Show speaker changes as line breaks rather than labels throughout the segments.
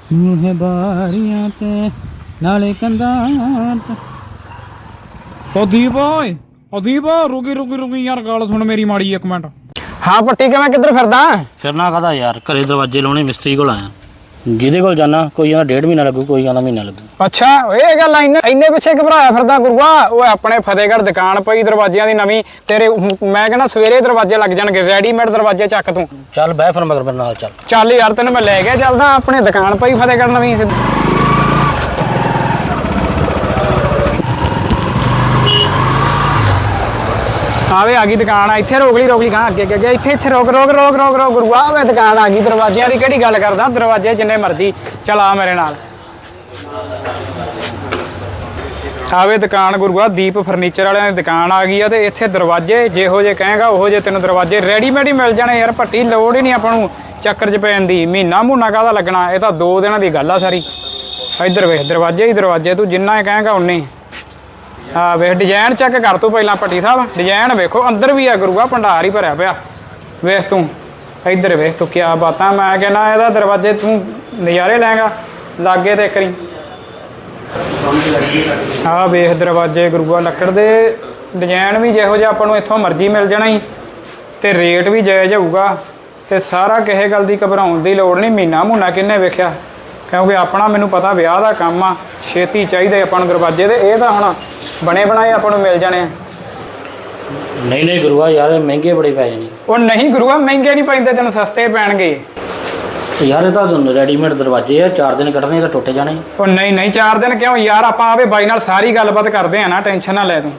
ਮੂਹੇ ਬਾਰੀਆਂ ਤੇ ਨਾਲੇ ਕੰਧਾਂ ਦੀਪ ਓਏ ਦੀਪ ਰੁਕੀ ਯਾਰ ਗੱਲ ਸੁਣ ਮੇਰੀ ਮਾੜੀ ਇੱਕ ਮਿੰਟ।
ਹਾਂ ਪੱਟੀ ਕਿਵੇਂ ਕਿੱਧਰ
ਫਿਰਨਾ ਕਾਹਦਾ ਯਾਰ, ਘਰੇ ਦਰਵਾਜ਼ੇ ਲਾਉਣੇ ਮਿਸਤਰੀ ਕੋਲ ਆਇਆ। ਜਿਹਦੇ ਕੋਲ ਜਾਣਾ ਕੋਈ ਕਹਿੰਦਾ 1.5 ਮਹੀਨਾ ਲੱਗੂ, ਕੋਈ ਕਹਿੰਦਾ ਮਹੀਨਾ ਲੱਗੂ।
ਅੱਛਾ ਇਹ ਗੱਲ ਇੰਨੇ ਪਿੱਛੇ ਘਬਰਾਇਆ ਫਿਰਦਾ ਗੁਰੂਆ। ਉਹ ਆਪਣੇ ਫਤਿਹਗੜ੍ਹ ਦੁਕਾਨ ਪਈ ਦਰਵਾਜ਼ਿਆਂ ਦੀ ਨਵੀਂ ਤੇਰੇ। ਮੈਂ ਕਹਿੰਦਾ ਸਵੇਰੇ ਦਰਵਾਜ਼ੇ ਲੱਗ ਜਾਣਗੇ, ਰੈਡੀਮੇਡ ਦਰਵਾਜ਼ੇ ਚੱਕ ਤੂੰ।
ਚੱਲ ਬਹਿ ਫਿਰ ਮਗਰ ਮੇਰੇ ਨਾਲ
ਚੱਲ ਯਾਰ ਤੈਨੂੰ ਮੈਂ ਲੈ ਕੇ ਚੱਲਦਾ। ਆਪਣੇ ਦੁਕਾਨ ਪਈ ਫਤਿਹਗੜ੍ਹ ਨਵੀਂ। ਆਵੇ ਆ ਗਈ ਦੁਕਾਨ ਆ। ਇੱਥੇ ਰੋਕ ਲਈ ਕਹਾਂ ਅੱਗੇ ਇੱਥੇ ਰੋਕ ਗੁਰੂਆ। ਵੇ ਦੁਕਾਨ ਆ ਗਈ ਦਰਵਾਜ਼ਿਆਂ ਦੀ। ਕਿਹੜੀ ਗੱਲ ਕਰਦਾ, ਦਰਵਾਜ਼ੇ ਜਿੰਨੇ ਮਰਜ਼ੀ। ਚਲ ਆ ਮੇਰੇ ਨਾਲ। ਆਵੇ ਦੁਕਾਨ ਗੁਰੂਆ, ਦੀਪ ਫਰਨੀਚਰ ਵਾਲਿਆਂ ਦੀ ਦੁਕਾਨ ਆ ਗਈ ਆ। ਤੇ ਇੱਥੇ ਦਰਵਾਜ਼ੇ ਜਿਹੋ ਜੇ ਕਹੇਗਾ ਉਹੋ ਜੇ ਤੈਨੂੰ ਦਰਵਾਜ਼ੇ ਰੈਡੀਮੇਡ ਹੀ ਮਿਲ ਜਾਣੇ ਯਾਰ। ਭੱਟੀ ਲੋੜ ਹੀ ਨਹੀਂ ਆਪਾਂ ਨੂੰ ਚੱਕਰ 'ਚ ਪੈਣ ਦੀ। ਮਹੀਨਾ ਕਾਹਦਾ ਲੱਗਣਾ, ਇਹ ਤਾਂ 2 ਦਿਨਾਂ ਦੀ ਗੱਲ ਆ ਸਾਰੀ। ਇੱਧਰ ਵੇਖ ਦਰਵਾਜ਼ੇ ਹੀ ਦਰਵਾਜ਼ੇ, ਤੂੰ ਜਿੰਨਾ ਕਹੇਗਾ ਉਨੇ। ਹਾਂ ਵੇਖ ਡਿਜ਼ਾਈਨ ਚੈੱਕ ਕਰ ਤੂੰ ਪਹਿਲਾਂ ਭੱਟੀ ਸਾਹਿਬ। ਡਿਜ਼ਾਈਨ ਵੇਖੋ, ਅੰਦਰ ਵੀ ਆ ਗੁਰੂਆ, ਭੰਡਾਰ ਹੀ ਭਰਿਆ ਪਿਆ। ਵੇਖ ਤੂੰ ਇੱਧਰ ਵੇਖ ਤੂੰ, ਕਿਆ ਬਾਤਾਂ। ਮੈਂ ਕਹਿੰਦਾ ਇਹਦਾ ਦਰਵਾਜ਼ੇ ਤੂੰ ਨਜ਼ਾਰੇ ਲੈਂਗਾ ਲਾਗੇ ਤੇ ਕਰੀ। ਆਹ ਵੇਖ ਦਰਵਾਜ਼ੇ ਗੁਰੂਆ, ਲੱਕੜ ਦੇ ਡਿਜ਼ਾਈਨ ਵੀ ਜਿਹੋ ਜਿਹਾ ਆਪਾਂ ਨੂੰ ਇੱਥੋਂ ਮਰਜ਼ੀ ਮਿਲ ਜਾਣਾ ਹੀ। ਤੇ ਰੇਟ ਵੀ ਜਾਇਜ਼ ਹੋਊਗਾ। ਤੇ ਸਾਰਾ ਕਿਸੇ ਗੱਲ ਦੀ ਘਬਰਾਉਣ ਦੀ ਲੋੜ ਨਹੀਂ। ਮਹੀਨਾ ਕਿੰਨੇ ਵੇਖਿਆ, ਕਿਉਂਕਿ ਆਪਣਾ ਮੈਨੂੰ ਪਤਾ ਵਿਆਹ ਦਾ ਕੰਮ ਆ, ਛੇਤੀ ਚਾਹੀਦੇ ਆਪਾਂ ਨੂੰ ਦਰਵਾਜ਼ੇ। ਤੇ ਇਹ ਤਾਂ ਹੁਣ ਬਣੇ ਬਣਾਏ ਆਪਾਂ ਨੂੰ ਮਿਲ ਜਾਣੇ ਆ।
ਨਹੀਂ ਗੁਰੂਆ ਯਾਰ, ਮਹਿੰਗੇ ਬੜੇ ਪੈ ਜਾਣੇ।
ਉਹ ਨਹੀਂ ਗੁਰੂਆ, ਮਹਿੰਗੇ ਨਹੀਂ ਪੈਂਦੇ, ਤੈਨੂੰ ਸਸਤੇ ਪੈਣਗੇ
ਯਾਰ। ਇਹ ਤਾਂ ਰੈਡੀਮੇਡ ਦਰਵਾਜ਼ੇ ਆ, 4 ਦਿਨ ਕੱਢਣੇ ਤਾਂ ਟੁੱਟ ਜਾਣੇ।
ਉਹ ਨਹੀਂ 4 ਦਿਨ ਕਿਉਂ ਯਾਰ, ਆਪਾਂ ਆਵੇ ਬਾਈ ਨਾਲ ਸਾਰੀ ਗੱਲਬਾਤ ਕਰਦੇ ਆ ਨਾ, ਟੈਨਸ਼ਨ ਨਾ ਲੈ ਤੂੰ।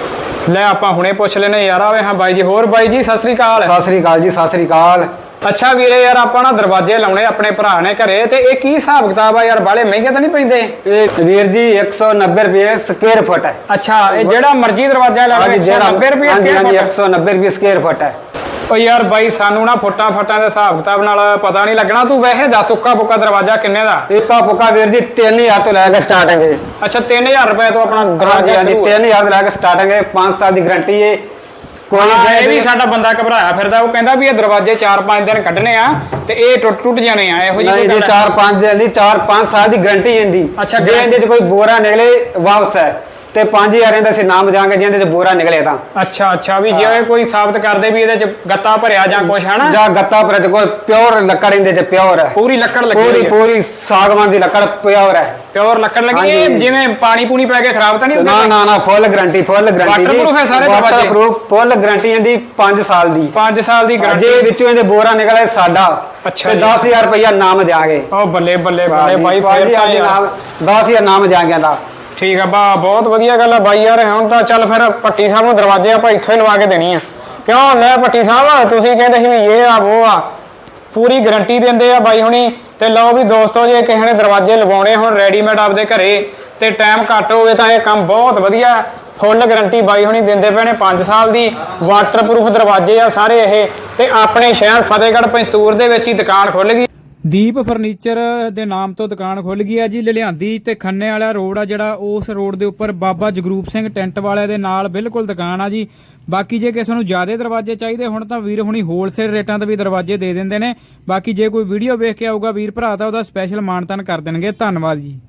ਲੈ ਆਪਾਂ ਹੁਣੇ ਪੁੱਛ ਲੈਨੇ ਯਾਰ। ਆਵੇ ਹਾਂ ਬਾਈ ਜੀ। ਹੋਰ ਬਾਈ ਜੀ ਸਤਿ ਸ੍ਰੀ ਅਕਾਲ।
ਸਤਿ ਸ੍ਰੀ ਅਕਾਲ ਜੀ, ਸਤਿ ਸ੍ਰੀ ਅਕਾਲ।
ਅੱਛਾ ਵੀਰੇ ਯਾਰ, ਆਪਾਂ ਨਾ ਦਰਵਾਜ਼ੇ ਲਾਉਣੇ ਆਪਣੇ ਭਰਾ ਨੇ ਘਰੇ। ਤੇ ਇਹ ਕੀ ਹਿਸਾਬ ਕਿਤਾਬ ਆ ਯਾਰ, ਬਾਲੇ ਮਹਿੰਗੇ ਤਾਂ ਨਹੀਂ ਪੈਂਦੇ?
ਇਹ ਵੀਰ ਜੀ 190 ਰੁਪਏ ਸਕੁਅਰ ਫੁੱਟ ਹੈ।
ਅੱਛਾ ਇਹ ਜਿਹੜਾ ਮਰਜ਼ੀ ਦਰਵਾਜ਼ਾ ਲਾ ਲਓ 190 ਰੁਪਏ?
ਹਾਂਜੀ 190 ਰੁਪਏ ਸਕੁਅਰ ਫੁੱਟ ਹੈ।
ਓ ਯਾਰ ਬਾਈ ਸਾਨੂੰ ਨਾ ਫੁੱਟਾਂ ਦੇ ਹਿਸਾਬ ਕਿਤਾਬ ਨਾਲ ਪਤਾ ਨਹੀਂ ਲੱਗਣਾ। ਤੂੰ ਵੈਸੇ ਦੱਸ ਉੱਕਾ ਪੁੱਕਾ ਦਰਵਾਜ਼ਾ ਕਿੰਨੇ ਦਾ?
ਇੱਕਾ ਪੁੱਕਾ ਵੀਰ ਜੀ 3000 ਤੋਂ ਲੈ ਕੇ ਸਟਾਰਟਿੰਗ ਹੈ।
ਅੱਛਾ 3000 ਰੁਪਏ ਤੋਂ ਆਪਣਾ ਦਰਵਾਜ਼ਾ?
ਹਾਂਜੀ 3000 ਤੋਂ ਲੈ ਕੇ ਸਟਾਰਟਿੰਗ ਹੈ। 5 ਸਾਲ ਦੀ ਗਾਰੰਟੀ ਹੈ।
ਕੋਈ ਇਹ ਵੀ ਸਾਡਾ ਬੰਦਾ ਘਬਰਾਇਆ ਫਿਰਦਾ। ਉਹ ਕਹਿੰਦਾ ਵੀ ਇਹ ਦਰਵਾਜ਼ੇ 4-5 ਦਿਨ ਕੱਢਣੇ ਆ ਤੇ ਇਹ ਟੁੱਟ ਜਾਣੇ ਆ। ਇਹੋ ਜਿਹੀ
ਨਹੀਂ 4-5 ਦਿਨ ਦੀ 4-5 ਸਾਲ ਦੀ ਗਾਰੰਟੀ ਹੁੰਦੀ।
ਅੱਛਾ
ਜੇ ਇਹਦੇ 'ਚ ਕੋਈ ਬੋਰਾ ਨਿਕਲੇ ਵਾਪਸ ਹੈ ਤੇ 5000 ਦਾ ਅਸੀਂ ਨਾਮ ਦਿਆਂਗੇ ਜਿਹਦੇ 'ਚ ਬੋਰਾ ਨਿਕਲੇ ਤਾਂ।
ਅੱਛਾ ਵੀ ਜੇ ਕੋਈ ਸਾਬਤ ਕਰਦੇ ਵੀ ਇਹਦੇ 'ਚ ਗੱਤਾ ਭਰਿਆ ਜਾਂ ਕੁਛ ਹਨਾ, ਜਾਂ
ਗੱਤਾ ਭਰਿਆ ਤੇ ਕੋਈ ਪਿਓਰ ਲੱਕੜ ਇਹਦੇ 'ਚ ਪਿਓਰ ਹੈ।
ਪੂਰੀ ਲੱਕੜ ਲੱਗੀ
ਪੂਰੀ ਸਾਗਵਾਨ ਦੀ ਲੱਕੜ ਪਿਓਰ ਹੈ।
ਪਿਓਰ ਲੱਕੜ ਲੱਗੀ। ਇਹ ਜਿਵੇਂ ਪਾਣੀ ਪੂਣੀ ਪੈ ਕੇ ਖਰਾਬ ਤਾਂ ਨਹੀਂ ਹੁੰਦਾ?
ਨਾ ਫੁੱਲ ਗਾਰੰਟੀ
ਵਾਟਰਪ੍ਰੂਫ ਹੈ ਸਾਰੇ ਦਰਵਾਜ਼ੇ?
ਵਾਟਰਪ੍ਰੂਫ ਫੁੱਲ ਗਾਰੰਟੀ ਇਹਦੀ 5 ਸਾਲ ਦੀ।
5 ਸਾਲ ਦੀ ਗਾਰੰਟੀ।
ਜੇ ਵਿੱਚੋਂ ਇਹਦੇ ਬੋਰਾ ਨਿਕਲੇ ਸਾਡਾ
ਅੱਛਾ
ਤੇ 10000 ਰੁਪਇਆ ਨਾਮ ਦਿਆਂਗੇ।
ਉਹ ਬੱਲੇ ਬਾਈ ਫੇਰ
ਨਾਮ 10000 ਨਾਮ ਦਿਆਂਗੇ ਦਾ।
ਠੀਕ ਆ ਬਹੁਤ ਵਧੀਆ ਗੱਲ ਆ ਬਾਈ ਯਾਰ। ਹੁਣ ਤਾਂ ਚੱਲ ਫਿਰ ਭੱਟੀ ਸਾਹਿਬ ਨੂੰ ਦਰਵਾਜ਼ੇ ਆਪਾਂ ਇੱਥੋਂ ਹੀ ਲਵਾ ਕੇ ਦੇਣੀ ਆ। ਕਿਉਂ ਲੈ ਭੱਟੀ ਸਾਹਿਬ, ਤੁਸੀਂ ਕਹਿੰਦੇ ਸੀ ਵੀ ਇਹ ਆ ਉਹ ਆ, ਪੂਰੀ ਗਾਰੰਟੀ ਦਿੰਦੇ ਆ ਬਾਈ ਹੁਣੀ। ਤੇ ਲਓ ਵੀ ਦੋਸਤੋ, ਜੇ ਕਿਸੇ ਨੇ ਦਰਵਾਜ਼ੇ ਲਵਾਉਣੇ ਹੁਣ ਰੈਡੀਮੇਡ ਆਪਦੇ ਘਰੇ ਤੇ ਟਾਈਮ ਘੱਟ ਹੋਵੇ ਤਾਂ ਇਹ ਕੰਮ ਬਹੁਤ ਵਧੀਆ। ਫੁੱਲ ਗਾਰੰਟੀ ਬਾਈ ਹੁਣੀ ਦਿੰਦੇ ਪਏ ਨੇ 5 ਸਾਲ ਦੀ। ਵਾਟਰਪ੍ਰੂਫ ਦਰਵਾਜ਼ੇ ਆ ਸਾਰੇ ਇਹ। ਤੇ ਆਪਣੇ ਸ਼ਹਿਰ ਫਤਿਹਗੜ੍ਹ ਪੰਜਤੂਰ ਦੇ ਵਿੱਚ ਹੀ ਦੁਕਾਨ ਖੁੱਲ ਗਈ।
ਦੀਪ ਫਰਨੀਚਰ ਦੇ ਨਾਮ ਤੋਂ ਦੁਕਾਨ ਖੁੱਲ ਗਈ ਹੈ ਜੀ ਲੁਧਿਆਣਾ ਤੇ ਖੰਨੇ ਵਾਲਾ ਰੋਡ ਆ ਜਿਹੜਾ, ਉਸ ਰੋਡ ਦੇ ਉੱਪਰ ਬਾਬਾ ਜਗਰੂਪ ਸਿੰਘ ਟੈਂਟ ਵਾਲਿਆਂ ਦੇ ਨਾਲ ਬਿਲਕੁਲ ਦੁਕਾਨ ਆ ਜੀ। ਬਾਕੀ ਜੇ ਕਿਸੇ ਨੂੰ ਜ਼ਿਆਦਾ ਦਰਵਾਜ਼ੇ ਚਾਹੀਦੇ ਹੁਣ ਤਾਂ ਵੀਰ ਹੁਣੀ ਹੋਲਸੇਲ ਰੇਟਾਂ ਤੇ ਵੀ ਦਰਵਾਜ਼ੇ ਦੇ ਦਿੰਦੇ ਨੇ। ਬਾਕੀ ਜੇ ਕੋਈ ਵੀਡੀਓ ਵੇਖ ਕੇ ਆਊਗਾ ਵੀਰ ਭਰਾ ਤਾਂ ਉਹਦਾ ਸਪੈਸ਼ਲ ਮਾਨਤਾਨ ਕਰ ਦੇਣਗੇ। ਧੰਨਵਾਦ ਜੀ।